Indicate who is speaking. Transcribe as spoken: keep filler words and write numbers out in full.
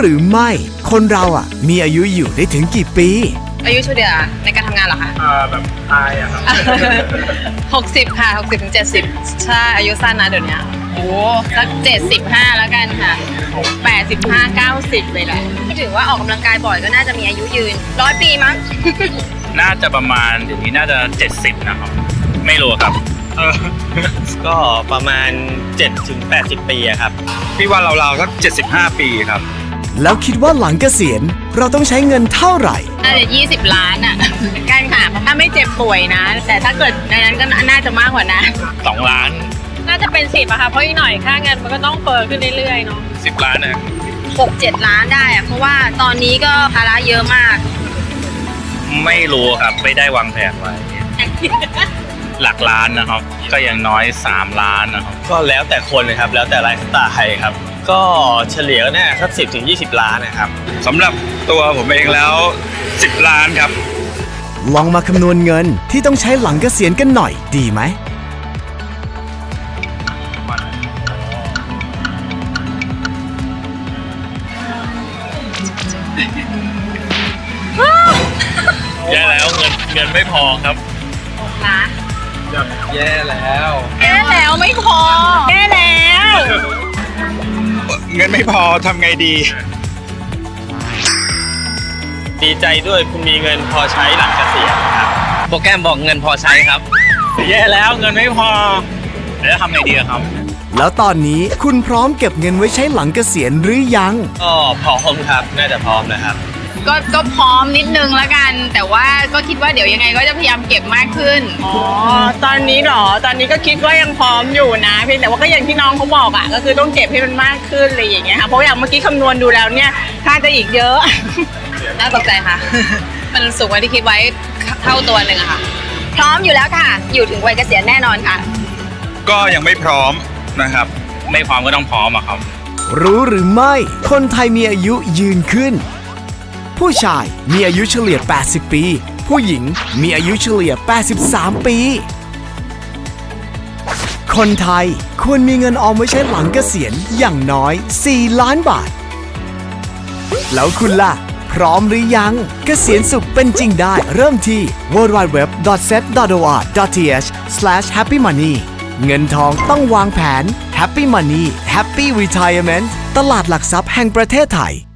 Speaker 1: หรือไม่คนเราอ่ะมีอายุอยู่ได้ถึงกี่ปี
Speaker 2: อายุเฉลี่ยในการทำงานเหรอคะ
Speaker 3: อ่าแบบตายอะครับ
Speaker 2: หกสิบค่ะหกสิบถึงเจ็ดสิบใช่อายุสั้นนะเดี๋ยวนี้โอ้สักเจ็ดสิบห้าแล้วกันค่ะแปดสิบห้าเก้าสิบเลยแหละถือว่าออกกำลังกายบ่อยก็น่าจะมีอายุยืนร้อยปีมั้ง
Speaker 4: น่าจะประมาณเดี๋ยวนี้น่าจะเจ็ดสิบนะครับ ไม่รู้ครับ
Speaker 3: เออ
Speaker 5: ก็ประมาณ เจ็ดถึงแปดสิบ ปีอะครับ
Speaker 3: พี่ว่าเราๆสักเจ็ดสิบห้าปีครับ
Speaker 1: แล้วคิดว่าหลังเกษียณเราต้องใช้เงินเท่าไหร่
Speaker 2: น่าจะยี่สิบล้านอ่ะกันค่ะถ้าไม่เจ็บป่วยนะ แต่ถ้าเกิดในนั้นก็น่าจะมากกว่านะ
Speaker 4: สองล้าน
Speaker 6: น่าจะเป็นสิบอะค่ะ เพราะอีกหน่อยค่าเงินมันก็ต้องเฟ้อขึ้นเรื่อยๆเนาะ
Speaker 4: สิบล้านนะ
Speaker 2: หกเจ็ดล้านได้อะเพราะว่าตอนนี้ก็ภาระเยอะมาก
Speaker 4: ไม่รู้ครับไม่ได้วางแผนไว้ หลักล้านนะครับ ก็อย่างน้อยสามล้านนะครับ
Speaker 5: ก็แล้วแต่คนนะครับ แล้วแต่ไลฟ์สไตล์ครับ ก็เฉลี่ยก็น่าสักสิบถึงยี่สิบ ล้านนะครับ
Speaker 3: สำหรับตัวผมเองแล้วสิบล้านครับ
Speaker 1: ลองมาคำนวณเงินที่ต้องใช้หลังเกษียณกันหน่อยดีไหม
Speaker 4: แย่แล้วเงินเงินไม่พอครับ
Speaker 2: ล้าน
Speaker 3: แย่แล้ว
Speaker 2: แย่แล้วไม่พอแย่แล้ว
Speaker 3: เงินไม่พอทำไงดี
Speaker 5: ดีใจด้วยคุณมีเงินพอใช้หลังเกษียณครับ
Speaker 4: โปรแกรมบอกเงินพอใช้ครับ แย่แล้วเงินไม่พอแล้วทำไงดีครับ
Speaker 1: แล้วตอนนี้คุณพร้อมเก็บเงินไว้ใช้หลังเกษียณหรือยัง
Speaker 5: ก็พร้อมครับ น่าจะพร้อมนะครับ
Speaker 2: ก็ก็พร้อมนิดนึงแล้วกัน แต่ว่าก็คิดว่าเดี๋ยวยังไงก็จะพยายามเก็บมากขึ้น
Speaker 6: อ๋อ ตอนนี้เหรอ ตอนนี้ก็คิดว่ายังพร้อมอยู่นะเพียงแต่ว่าก็อย่างที่น้องเขาบอกอะก็คือต้องเก็บให้มันมากขึ้นอะไรอย่างเงี้ยค่ะ เพราะอย่างเมื่อกี้คำนวณดูแล้วเนี่ยค่าจะอีกเยอะ
Speaker 2: น่าตกใจค่ะ มันสูงกว่าที่คิดไว้เท่าตัวหนึ่งอะค่ะ พร้อมอยู่แล้วค่ะ อยู่ถึงวัยเกษียณแน่นอนค่ะ
Speaker 3: ก็ยังไม่พร้อมนะครับ
Speaker 4: ไม่พร้อมก็ต้องพร้อมอะครับ
Speaker 1: รู้หรือไม่คนไทยมีอายุยืนขึ้น ผู้ชายมีอายุเฉลี่ย แปดสิบ ปี ผู้หญิงมีอายุเฉลี่ย แปดสิบสาม ปี คนไทยควรมีเงินออมไว้ใช้หลังเกษียณอย่างน้อย สี่ ล้านบาท แล้วคุณล่ะ พร้อมหรือยัง เกษียณสุขเป็นจริงได้เริ่มที่ ดับเบิลยู ดับเบิลยู ดับเบิลยู ดอท เซต ดอท โอ อาร์ ดอท ที เอช สแลช แฮปปี้มันนี่ เงินทองต้องวางแผน Happy Money Happy Retirement ตลาดหลักทรัพย์แห่งประเทศไทย